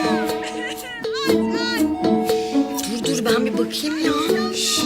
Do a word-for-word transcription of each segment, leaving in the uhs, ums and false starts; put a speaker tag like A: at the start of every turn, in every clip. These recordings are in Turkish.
A: Dur dur ben bir bakayım ya.
B: Şşş.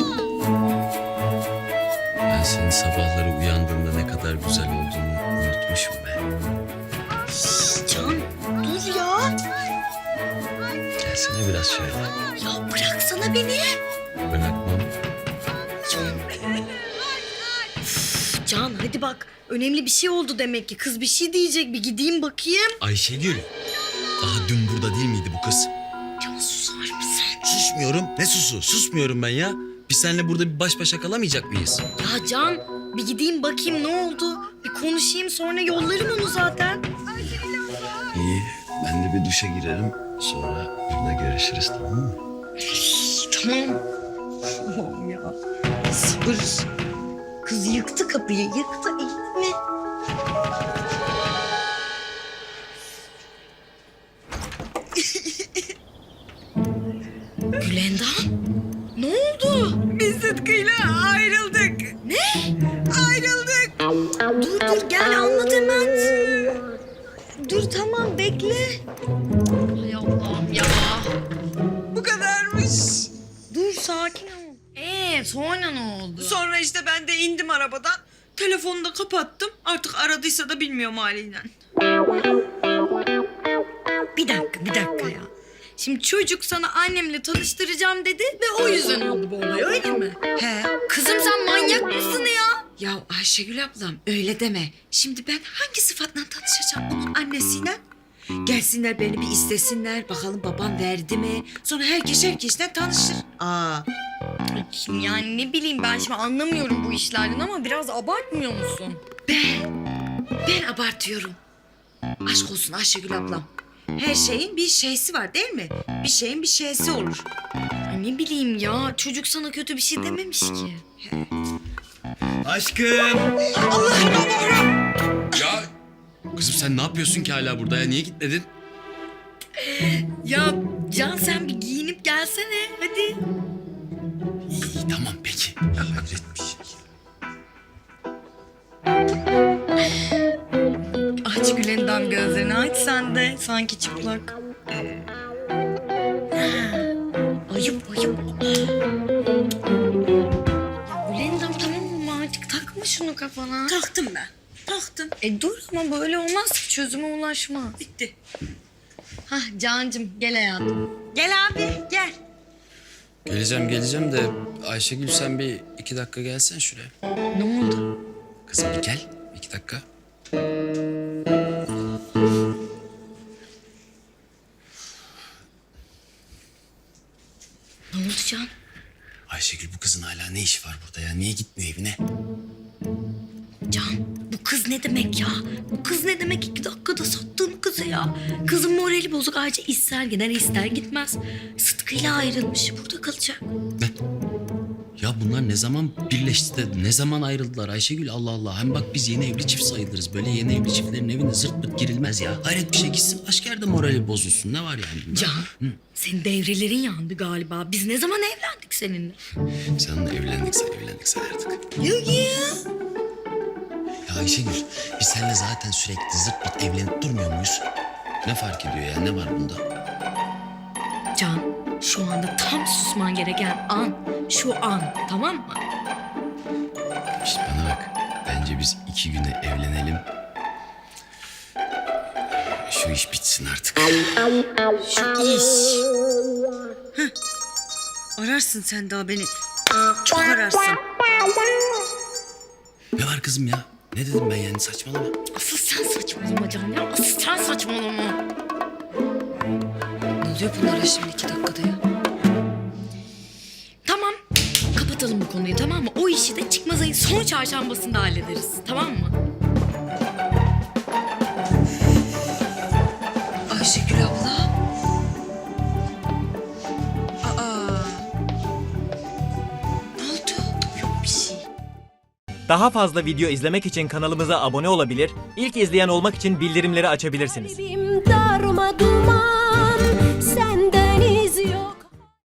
B: Ben senin sabahları uyandığında ne kadar güzel olduğunu unutmuşum be.
A: Şşş, Can dur ya.
B: Gelsene biraz şöyle.
A: Ya bıraksana beni.
B: Bırakmam.
A: Can. Üf, Can hadi bak. Önemli bir şey oldu demek ki. Kız bir şey diyecek. Bir gideyim bakayım.
B: Ayşegül. Daha dün burada değil miydi bu kız?
A: Can susar mısın?
B: Susmuyorum. Ne susu? Susmuyorum ben ya. Biz seninle burada bir baş başa kalamayacak mıyız?
A: Ya Can bir gideyim bakayım ne oldu? Bir konuşayım sonra yollarım onu zaten.
B: İyi. Ben de bir duşa girerim. Sonra burada görüşürüz, tamam mı?
A: Tamam. Tamam ya. Sabır. Kız yıktı kapıyı. Yıktı iyi mi? Gülendam. Ne oldu?
C: Biz Sıtkı'yla ayrıldık.
A: Ne?
C: Ayrıldık.
A: Dur dur gel anlat hemen. Dur tamam bekle. Hay Allah'ım ya.
C: Bu kadarmış.
A: Dur sakin ol. Ee sonra ne oldu?
C: Sonra işte ben de indim arabadan. Telefonu da kapattım. Artık aradıysa da bilmiyorum haliyle.
A: Bir dakika bir dakika ya. Şimdi çocuk sana annemle tanıştıracağım dedi ve o yüzden oldu bu olay öyle mi?
C: He.
A: Kızım sen manyak mısın ya?
C: Ya Ayşegül ablam öyle deme. Şimdi ben hangi sıfatla tanışacağım onun annesiyle? Gelsinler beni bir istesinler. Bakalım babam verdi mi? Sonra herkes herkesle tanışır. Aa.
A: Yani ne bileyim ben şimdi anlamıyorum bu işlerden ama biraz abartmıyor musun?
C: Ben, ben abartıyorum. Aşk olsun Ayşegül ablam. Her şeyin bir şeysi var değil mi? Bir şeyin bir şeysi olur.
A: Ay ne bileyim ya çocuk sana kötü bir şey dememiş ki.
B: Aşkım.
C: Allah'ım Allah'ım.
B: Ya kızım sen ne yapıyorsun ki hala burada ya? Niye gitmedin?
A: Ya Can sen bir giyinip gelsene hadi.
B: İyi tamam peki. Ya hayretmiş.
A: Aç Gülendam gözlerini aç sen de sanki çıplak. Ayıp ayıp. Ya Gülendam tamam mı artık takma şunu kafana.
C: Taktım ben. Taktım.
A: E dur ama böyle olmaz ki çözüme ulaşma.
C: Bitti.
A: Hah Cancım gel hayatım.
C: Gel abi gel.
B: Geleceğim geleceğim de Ayşegül sen bir iki dakika gelsen şuraya.
A: Ne oldu?
B: Kızım bir gel. iki dakika.
A: Ne oldu Can?
B: Ayşegül bu kızın hala ne işi var burada ya? Niye gitmiyor evine?
A: Can bu kız ne demek ya? Bu kız ne demek iki dakikada sattığın kızı ya? Kızın morali bozuk ayrıca ister gider ister gitmez. Sıtkı'yla ayrılmış burada kalacak.
B: Ne? Ya bunlar ne zaman birleşti de ne zaman ayrıldılar Ayşegül Allah Allah. Hem bak biz yeni evli çift sayılırız. Böyle yeni evli çiftlerin evine zırt pırt girilmez ya. Hayret bir şey gitsin başka yerde morali bozulsun. Ne var yani bunda?
A: Can
B: Hı.
A: senin devrelerin yandı galiba. Biz ne zaman evlendik seninle?
B: Sen onunla evlendikse evlendik sayardık.
A: Yok ya.
B: Ya Ayşegül biz seninle zaten sürekli zırt pırt evlenip durmuyor muyuz? Ne fark ediyor ya ne var bunda?
A: Can şu anda tam susman gereken an. Şu an tamam mı?
B: İşte bana bak. Bence biz iki güne evlenelim. Şu iş bitsin artık.
C: Şu iş. Heh. Ararsın sen daha beni. Çok ararsın.
B: Ne var kızım ya? Ne dedim ben yani saçmalama.
A: Asıl sen saçmalama Can ya. Asıl sen saçmalama.
C: Ne oluyor bunlara şimdi iki dakikada ya?
A: Tamam. Kapatalım bu konuyu tamam mı? O işi de çıkmaz ayın son çarşambasında hallederiz. Tamam mı?
C: Ayşegül abla. Aa. Ne oldu? Yok bir şey.
D: Daha fazla video izlemek için kanalımıza abone olabilir, ilk izleyen olmak için bildirimleri açabilirsiniz.
E: Kalbim darma duman.